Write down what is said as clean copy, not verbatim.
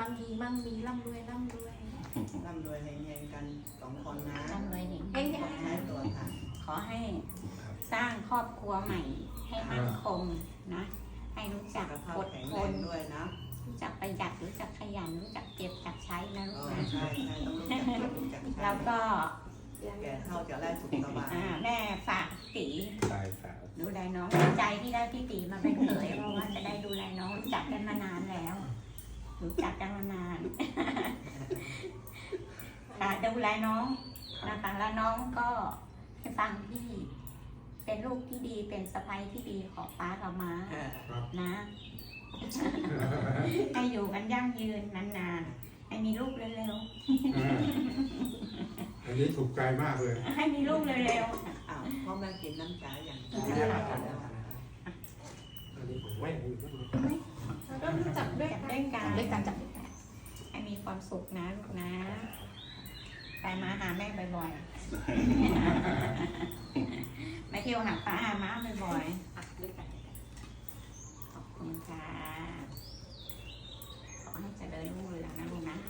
มั่งมีร่ำรวยร่ำรวยเฮงๆกัน2 คนนะร่ำรวยเฮงเฮงใช้ตัวค่ะขอให้สร้างครอบครัวใหม่ให้มั่นคงนะ ให้รู้จักสุขภาพอดแข็งทแรงนด้วยนะรู้จักประหยัดรู้จักขยันรู้จักเก็บจักใช้นะลูกนะใช่ต้องรู้จักเก็บรู้จักใช้แล้วก็แก่เท่าจะได้สุขสบายแม่ฝากตีตายสาวดูแลน้องดีใจที่ได้พี่ตีมาเป็นเขยเพราะว่าจะได้ดูแลน้องรู้จักกันมานานแล้ว รู้จักกันมานานค่ะดูแลน้องนะคะแล้วน้องก็ให้ฟังพี่เป็นลูกที่ดีเป็นสะใภ้ที่ดีของป้ากับม้านะ ให้อยู่กันยั่งยืนนานๆให้มีลูกเร็วอันนี้ถูกใจมากเลยๆให้มีลูกเร็วอ้าวพ่อแม่กินน้ำใจอย่างอันนี้ผมไม่รู้แล้วก็รู้จักด้วยจับกันด้วยกันด้วยกันจับด้วยกันให้มีความสุขนะลูกนะไปมาหาแม่บ่อยๆมาเที่ยวหาป้าหาม้าบ่อยด้วยกันๆขอบคุณค่ะขอให้เจริญรุ่งเรืองนะลูกนะ